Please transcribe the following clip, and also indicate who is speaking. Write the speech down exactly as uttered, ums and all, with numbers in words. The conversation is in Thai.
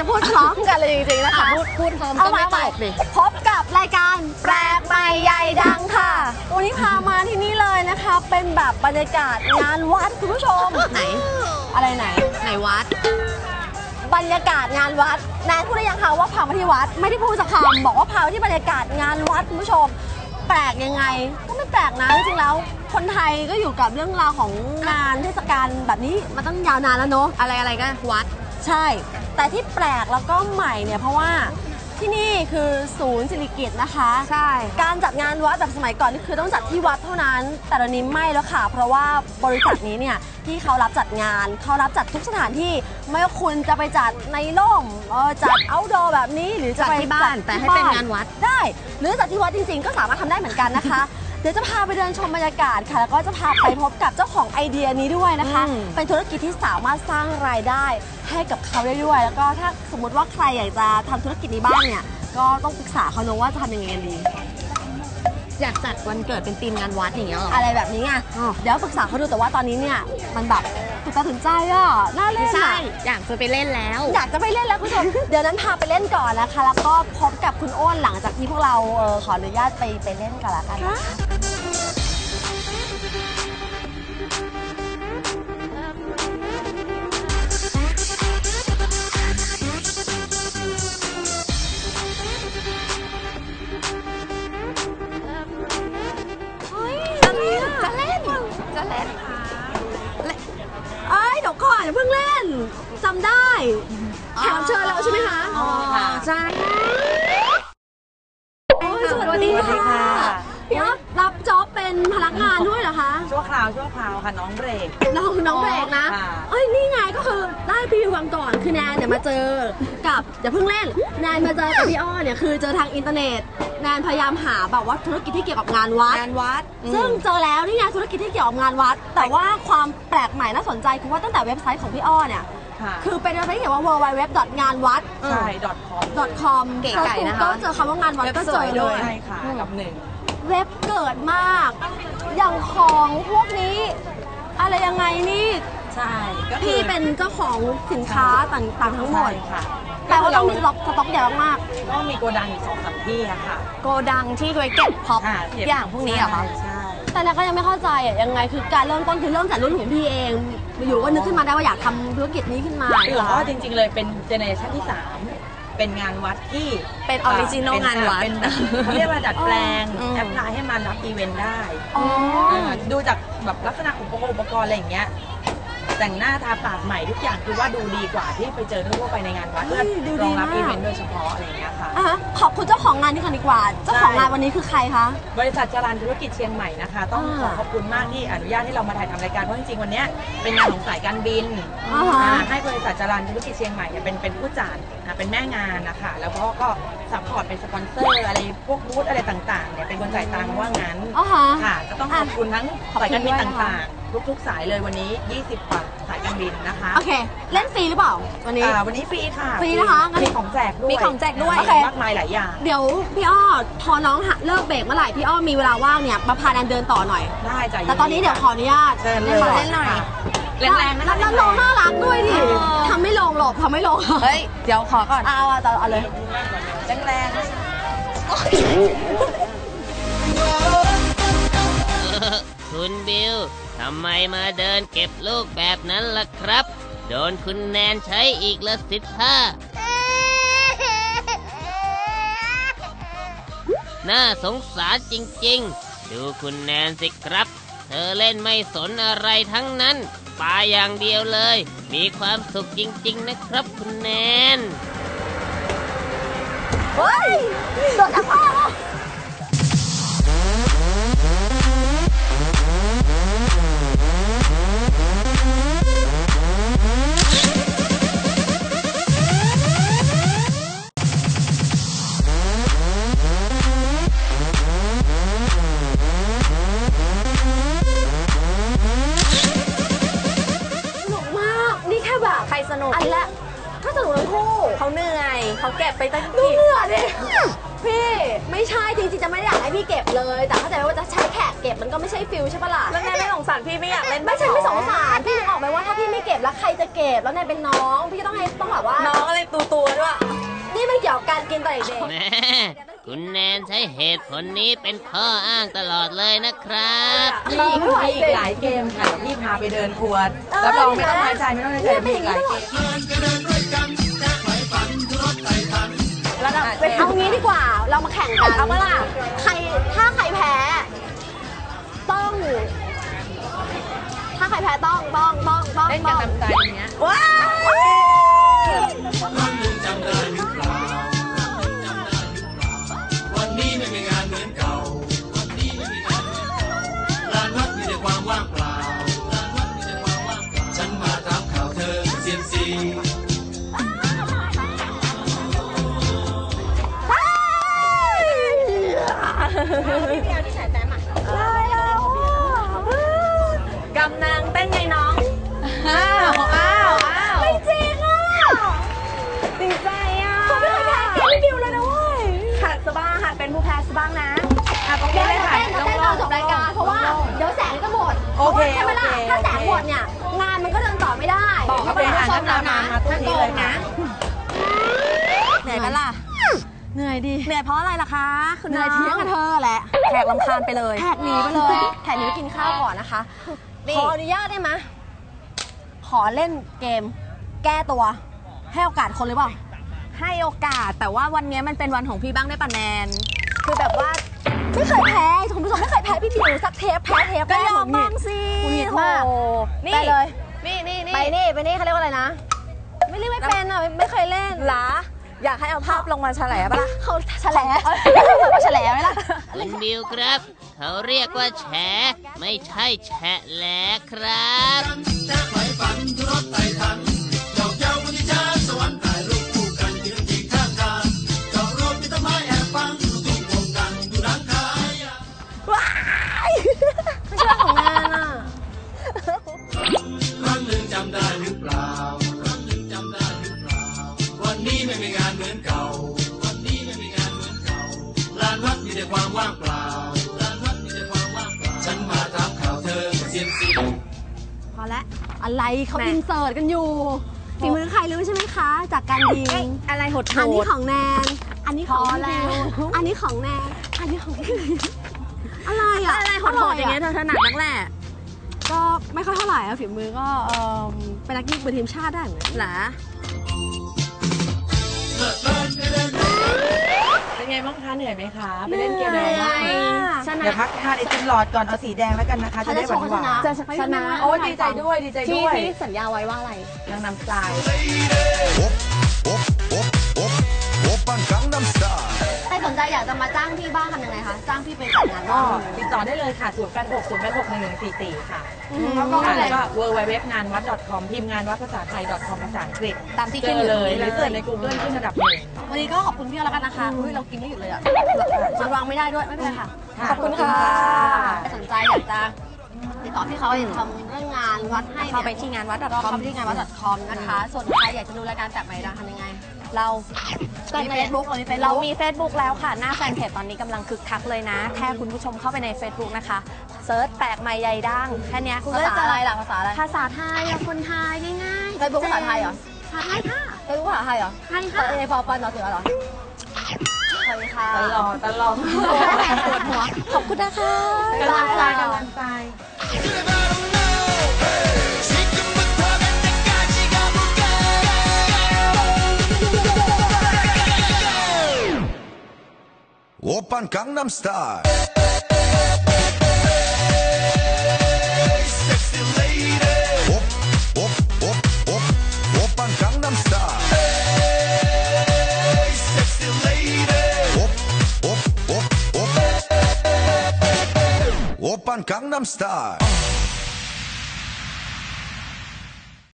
Speaker 1: จะพูดพร้อมกันเลยจริงๆนะคะ
Speaker 2: พูดพูดพร้อมก็ไม่ตลกดิ
Speaker 1: พบกับรายการแปลกใหม่ใหญ่ดังค่ะวันนี้พามาที่นี่เลยนะคะเป็นแบบบรรยากาศงานวัดคุณผู้ชม
Speaker 2: ไหน
Speaker 1: อะไรไหน
Speaker 2: ไหนวัด
Speaker 1: บรรยากาศงานวัดแนนพูดได้ยังคะว่าพามาที่วัดไม่ได้พูดสักคำบอกว่าพามาที่บรรยากาศงานวัดคุณผู้ชมแปลกยังไงก็ไม่แปลกนะจริงๆแล้วคนไทยก็อยู่กับเรื่องราวของงานเทศกาลแบบนี้มาตั้งยาวนานแล้วเนอะ
Speaker 2: อะไรอะไรก็วัด
Speaker 1: ใช่แต่ที่แปลกแล้วก็ใหม่เนี่ยเพราะว่าที่นี่คือศูนย์ศิริกิติ์นะคะ
Speaker 2: ใช่
Speaker 1: การจัดงานวัดแบบสมัยก่อนนี่คือต้องจัดที่วัดเท่านั้นแต่ตอนนี้ไม่แล้วค่ะเพราะว่าบริษัทนี้เนี่ยที่เขารับจัดงานเขารับจัดทุกสถานที่ไม่ว่าคุณจะไปจัดในร่มเออจัดเอาท์ดอร์แบบนี้หรือจะไป
Speaker 2: ที่บ้านแต่ให้เป็นงานวัด
Speaker 1: ได้หรือจัดที่วัดจริงๆก็สามารถทำได้เหมือนกันนะคะเดี๋ยวจะพาไปเดินชมบรรยากาศค่ะแล้วก็จะพาไปพบกับเจ้าของไอเดียนี้ด้วยนะคะเป็นธุรกิจที่สามารถสร้างรายได้ให้กับเขาได้ด้วยแล้วก็ถ้าสมมติว่าใครอยากจะทำธุรกิจนี้บ้างเนี่ยก็ต้องปรึกษาเขาเนอะว่าจะทำยังไงกันดี
Speaker 2: อยากจัดวันเกิดเป็นธีมงานวัดอย่างเงี้ยหรอ
Speaker 1: อะไรแบบนี้ไงเดี๋ยวปรึกษาเขาดูแต่ว่าตอนนี้เนี่ยมันแบบถูกตาถึงใจอ่ะน่าเล่น
Speaker 2: ใช่อยากจะไปเล่นแล้ว
Speaker 1: อยากจะไปเล่นแล้วคุณผู้ชมเดี๋ยวนั้นพาไปเล่นก่อนนะคะแล้วก็พบกับคุณโอ้นหลังจากที่พวกเราเออขออนุญาตไปไปเล่นกันละกัน
Speaker 2: จะเล่นจะเล่น
Speaker 1: เอ้ยเดี๋ยวก่อนอย่าเพิ่งเล่นจำได้แขกรับเชิญเราใช่ไหมคะ
Speaker 2: อ๋อใช่
Speaker 1: สวัสดีค่ะพี่อ๊อฟรับจ็อบเป็นพนักงานด้วยเหรอคะ
Speaker 3: ชั่วคราวชั่วคราวค่ะน้องเบรก
Speaker 1: น้องน้องเบรกนะเอ้ยนี่ไงก็คือได้พรีวิววันก่อนคือแนนเนี่ยมาเจอกับอย่าเพิ่งเล่นแนนมาเจอกับพี่อ้อเนี่ยคือเจอทางอินเทอร์เน็ตแนนพยายามหาแบบว่าธุรกิจที่เกี่ยวกับงานวัด
Speaker 3: งานวัด
Speaker 1: ซึ่งเจอแล้วนี่ไงธุรกิจที่เกี่ยวกับงานวัดแต่ว่าความแปลกใหม่น่าสนใจคือว่าตั้งแต่เว็บไซต์ของพี่อ้อเนี่ยคือเป็นเว็บไซต์ที่เขียนว่า ดับเบิลยู ดับเบิลยู ดับเบิลยู ดอท งานวัด
Speaker 3: ใช่
Speaker 1: ดอท คอม
Speaker 2: เก๋ไก่นะคะ
Speaker 1: ก็เจอคำว่างานวัดก็เจอเลย
Speaker 3: ใช่ค่ะกับหนึ่ง
Speaker 1: เว็บเกิดมากอย่างของพวกนี้อะไรยังไงนี่
Speaker 3: ใช่
Speaker 1: พี่เป็นเจ้าของสินค้าต่างๆทั้งหมดค่ะแต่ว่าต้องมีสต็อกสต็อกใหญ่มาก
Speaker 3: ก็มีโกดังอยู่สองสามที่อะค่ะ
Speaker 2: โกดังที่ไว้เก็บพ็อปอย่างพวกนี้เหรอคะ
Speaker 3: ใช่
Speaker 1: แต่เราก็ยังไม่เข้าใจอะยังไงคือการเริ่มต้นคือเริ่มจากรุ่นของพี่เองอยู่ก็นึกขึ้นมาได้ว่าอยากทำธุรกิจนี้ขึ้นมา
Speaker 3: คือเพราะจริงๆเลยเป็นเจเนอเรชันที่สามเป็นงานวัดที่
Speaker 2: เป็นออริจินอลงานวัด
Speaker 3: เขาเรียกว่าดัดแปลงแอปพลายให้มันรับอีเวนต์ได้ดูจากแบบลักษณะอุปกรณ์อุปกรณ์อะไรอย่างเงี้ยแต่งหน้าทาปากใหม่ทุกอย่างคือว่าดูดีกว่าที่ไปเจอทั่วไปในงานวัดเพื่อรองรับอีเวนต์โดยเฉพาะอะไรอย่างเงี้ยค่ะ
Speaker 1: ขอบคุณเจ้าของงานที่ค่ะดีกว่าเจ้าของงานวันนี้คือใครคะ
Speaker 3: บริษัทจรัญธุรกิจเชียงใหม่นะคะต้องขอขอบคุณมากที่อนุญาตให้เรามาถ่ายทำรายการเพราะจริงๆวันนี้เป็นงานของสายการบินให้บริษัทจรัญธุรกิจเชียงใหม่เป็นเป็นผู้จัดเป็นแม่งานนะคะแล้วก็ก็ซัพพอร์ตเป็นสปอนเซอร์อะไรพวกบูธอะไรต่างๆเนี่ยเป็นคนจ่ายตังค์ว่างั้นค่ะก็ต้องขอบคุณทั้งสายการบินต่างๆทุกๆสายเลยวันนี้ยี่สิบกว่าสายการบินนะคะ
Speaker 1: โอเคเล่นฟรีหรือเปล่าวันนี้
Speaker 3: วันนี้ฟรีค่ะ
Speaker 1: ฟรีนะคะ
Speaker 3: มีของแจกด้วย
Speaker 1: มีของแจกด้วย
Speaker 3: มากมายหลายอย่าง
Speaker 1: เดี๋ยวพี่อ้อพอน้องเลิกเบรกเมื่อไหร่พี่อ้อมีเวลาว่างเนี่ยมาพาแนนเดินต่อหน่อย
Speaker 3: ได้จ้ะ
Speaker 1: แต่ตอนนี้เดี๋ยวขออนุญาต
Speaker 3: เล่น
Speaker 1: เล่นหน่อย
Speaker 3: แรงๆนะ
Speaker 1: แล้วน้องน่ารักด้วยดิทำไม่ลงหรอกทำไม่ลง
Speaker 2: เฮ้ยเดี๋ยวขอก่อน
Speaker 1: เอาเอาเอาเลย
Speaker 3: แรง
Speaker 4: ๆคุณบิวทำไมมาเดินเก็บลูกแบบนั้นล่ะครับโดนคุณแนนใช้อีกละสิท่าน่าสงสารจริงๆดูคุณแนนสิครับเธอเล่นไม่สนอะไรทั้งนั้นปาอย่างเดียวเลยมีความสุขจริงๆนะครับคุณแนน
Speaker 1: เฮ้ยโดนอะไรอ่ะ
Speaker 2: สนุก
Speaker 1: อันละถ้าสนุกทั้งคู่
Speaker 2: เขาเหนื่อยเขาเก็บไปตั้ง
Speaker 1: ดูเหนื่อยดิพี่ไม่ใช่จริงๆจะไม่ได้อยากให้พี่เก็บเลย แต่เข้าใจว่าจะใช้แขกเก็บมันก็ไม่ใช่ฟิลใช่ปะล่ะ
Speaker 2: แล้วแนนไม่สงสารพี่ไม่อยากเล่น
Speaker 1: ไม่ใช่ไม่สงสารพี่นึกออกไหมว่าถ้าพี่ไม่เก็บแล้วใครจะเก็บแล้วนายเป็นน้องพี่ก็ต้องให้ต้องแบบว่า
Speaker 2: น้องอะไรตัวตัวๆด้วย
Speaker 1: นี่มันเกี่ยวกับการกินตอนเด็ก
Speaker 4: แม่คุณแนนใช้เหตุผลนี้เป็นข้ออ้างตลอดเลยนะครับ
Speaker 3: มีอีกมีอีกหลายเกมค่ะเดี๋ยวพี่พาไปเดินครัวรับรองไม่ต้องน้อยใจไม่ต้องน้อยใจมีอีกหลายเกม
Speaker 1: แล้วเราเอางี้ดีกว่าเรามาแข่งกันเอาเมื่อล่ะใครถ้าใครแพ้ต้อง ถ้าใครแพ้ต้องต้องต้องต้อง
Speaker 3: เล่นกันตามใจอย่างเงี้ย
Speaker 1: ว้าว
Speaker 5: วันนี้ไม่มีงานเหมือนเก่า วันนี้ไม่มีงานเหมือนเก่าลานวัดมีแต่ความว่างเปล่าลานวัดมีแต่ความว่างเปล่า ฉันมาถามข่าวเธอเซียมซี
Speaker 2: กำนางเต้นไงน้อง
Speaker 3: อ้าวอ้าวอ้าว
Speaker 1: ไม่จริงอ่ะ
Speaker 2: ดีใจอ่ะ
Speaker 1: เขาไม่เคยแพ้เกมพี่บิวเลยนะเว้ย
Speaker 2: หัดสบ้างหัดเป็นผู้แพ้สบ้างนะอ่ะต้อง
Speaker 1: เดี๋ยว
Speaker 2: เล่น
Speaker 1: เรา
Speaker 2: ถ่าย
Speaker 1: เต้นเราเต้นตอนจบรายการเพราะว่าเดี๋ยวแสงจะหมด
Speaker 3: โอเค
Speaker 1: ใช่ไหมล่ะ
Speaker 3: โอเค
Speaker 1: ถ้าแสงหมดเนี่ยงานมันก็เดินต่อไม่ได้
Speaker 3: บอกเขาไปหา
Speaker 1: ช
Speaker 3: หน้าม ตา
Speaker 1: แล้ว
Speaker 3: มา
Speaker 1: นะ
Speaker 3: มาตู้นี้เลยนะ
Speaker 2: เหนื่อยปะล่ะ
Speaker 1: เหนื่อยดิ
Speaker 2: เหนื่อยเพราะอะไรล่ะคะคุณ
Speaker 1: เห
Speaker 2: น้
Speaker 1: นื่
Speaker 2: อ
Speaker 1: อย
Speaker 2: ง
Speaker 1: เที่ยงกับเธอแหละ
Speaker 2: แขกลำคาญไปเลย
Speaker 1: แขกหนีไปเลยแขกหนีไปกินข้าวก่อนนะคะ
Speaker 2: นี่
Speaker 1: ขออนุญาตได้ไหมขอเล่นเกม แก้ตัว ให้โอกาสคนหรือเปล่า
Speaker 2: ให้โอกาสแต่ว่าวันนี้มันเป็นวันของพี่บ้างได้ปะแนน คือแบบว่า
Speaker 1: ไม่เคยแพ้คุณผู้ชมไม่เคยแพ้พี่บิวสักเทปแพ้เทป
Speaker 2: ก็
Speaker 1: แร
Speaker 2: ยอม
Speaker 1: หงุ
Speaker 2: บ้า
Speaker 1: ด
Speaker 2: ง
Speaker 1: หงิด
Speaker 2: สิ
Speaker 1: หงุดหงิดมาก
Speaker 2: โอ้นี่
Speaker 1: ไปเลย
Speaker 2: นี่นี่นี่
Speaker 1: ไปนี่ไปนี่เขาเรียกว่าอะไรนะ ไม่เรียกไม่เป็นอ่ะไม่ไม่เคยเล่น
Speaker 2: หรออยากให้เอาภาพลงมาแฉลปะล่ะ
Speaker 1: เขาแฉลเขาแฉลไหมล่ะ
Speaker 4: คุณบิวครับ เขาเรียกว่าแฉไม่ใช่แฉะแหลครับ
Speaker 5: จะไขฝันทุรถไต่ทันเจ้าเจ้าวันที่จ้าสวรรค์ถ่ายรูปคู่กันยืนยิงข้างทางเจาะรถมีต้นไม้แอบฟังดูทุ่งโป่งดังดูร้านขาย
Speaker 1: ไม่ใช่ของงานอ่ะ
Speaker 5: ครั้งหนึ่งจำได้หรือเปล่าครั้งหนึ่งจำได้หรือเปล่า วันนี้ไม่มีงานเหมือนเก่า วันนี้ไม่มีงานเหมือนเก่าลานวัดมีแต่ความว่างเปล่าลานวัดมีแต่ความว่างเปล่า ฉันมาถามข่าวเธอเซียมซี
Speaker 1: พอแล้วอะไรเขา
Speaker 2: แม่
Speaker 1: อินเสิร์ตกันอยู่ฝีมือใครรู้ใช่ไหมคะ จากการยิ
Speaker 2: เอ้ย
Speaker 1: ง
Speaker 2: อะไรหด
Speaker 1: อันนี้
Speaker 2: ๆ
Speaker 1: ของแนน อันนี้ของ
Speaker 2: พอ
Speaker 1: พี่
Speaker 2: แล้ว
Speaker 1: บิวอันนี้ของแนน อันนี้ของพี่บิวอะไรอ่ะ
Speaker 2: อะไรหดๆอย่างเงี้ยเธอถนัดนักแหละ
Speaker 1: ก็ไม่ค่อยเท่าไหร่อะฝีมือก็เอ่อเป็นนักยิงเป็นทีมชาติได้เหมือนกัน
Speaker 2: หรอ
Speaker 3: เป็นไงบ้างคะเหนื่อยไหมคะไปเล่นเกมอะไรบ้าง
Speaker 2: ชนะ
Speaker 3: เดี๋ยวพักทานไอติมหลอดก่อนเอาสีแดงแล้วกันนะคะ จะได้หวานหวาน
Speaker 2: จะชนะ
Speaker 3: โอ้ยดีใจด้วยดีใจ
Speaker 2: ที่
Speaker 3: ด้วย
Speaker 2: ที่สัญญาไว้ว่าอะไร
Speaker 3: นางนำทราย
Speaker 5: 오빤 강남스타일
Speaker 1: ใครสนใจอยากจะมาจ้างพี่บ้างทำยังไงคะ จ้างพี่ไปจัดงาน
Speaker 3: ก็
Speaker 1: บ้าง
Speaker 3: ติดต่อได้เลยค่ะศูนย์แปดหก ศูนย์แปดหก หนึ่งหนึ่งสี่สี่ค่ะ
Speaker 1: แล้วก็อะไร
Speaker 3: แล้วก็ w w w งานวัด .com พิมพ์งานวัดภาษาไทย .com ภาษาอังกฤษ
Speaker 1: ตามที่
Speaker 3: เจ
Speaker 1: ขึ้น
Speaker 3: อ
Speaker 1: อยู่
Speaker 3: เลยห
Speaker 1: เล
Speaker 3: รือย เสิร์ชใน Google ขึ้นระดับหนึ่ง
Speaker 1: วันนี้ก็ขอบคุณพี่แล้วกันนะคะอุ้ยเรากินไม่หยุดเลยอ่ะมันวางไม่ได้ด้วยไม่เป็นไรค่ะ
Speaker 3: ค่ะ
Speaker 1: ขอบคุณค่ะ
Speaker 3: ขอบคุณค่ะ
Speaker 1: สนใจอยากจะติดต่อพี่เขาอยากจะทำเรื่องงานวัดให้
Speaker 2: เข้าไปที่งานวัด
Speaker 1: ก็
Speaker 2: .com
Speaker 1: เข้าไปที่งานวัด .com นะคะ ส่วนใครอยากจะดูรายการแปลกใหม่ดังทำยังไง
Speaker 2: เรา
Speaker 1: มีเฟซบุ๊กเรามีเฟซ
Speaker 2: เรา
Speaker 1: บุ๊ก
Speaker 2: มี Facebook แล้วค่ะ หน้าแฟนเพจตอนนี้กำลังคึกคักเลยนะ แค่คุณผู้ชมเข้าไปใน Facebook นะคะเซิร์ชแปลกใหม่ใหญ่ดังแค่เนี้ยคุณก็
Speaker 1: ภา
Speaker 2: จะ
Speaker 1: ษา
Speaker 2: เจอ
Speaker 1: อะไรล่ะภาษาอะไร
Speaker 2: ภาษาไทยอะคนไทยง่ายๆ
Speaker 1: เฟซบุ๊กภาษาไทยเหรอ
Speaker 2: ภาษาไทยค่ะ
Speaker 1: เฟซบุ๊กภาษาไทยเหรอ
Speaker 2: ไทยค่ะ
Speaker 1: เอพอปันเหรอเสือเหรอสวัสดีค่ะ
Speaker 3: ตลอดตลอด
Speaker 2: ปวดหัว ขอบคุณนะคะ
Speaker 3: กำลังใจกำลังใจ
Speaker 5: 지금부터 갈 때까지 가볼까 오빤 강남스타일 Sexy lady 오, 오, 오, 오, 오빤 강남스타일 Sexy lady 오, 오, 오, 오 오빤 강남스타일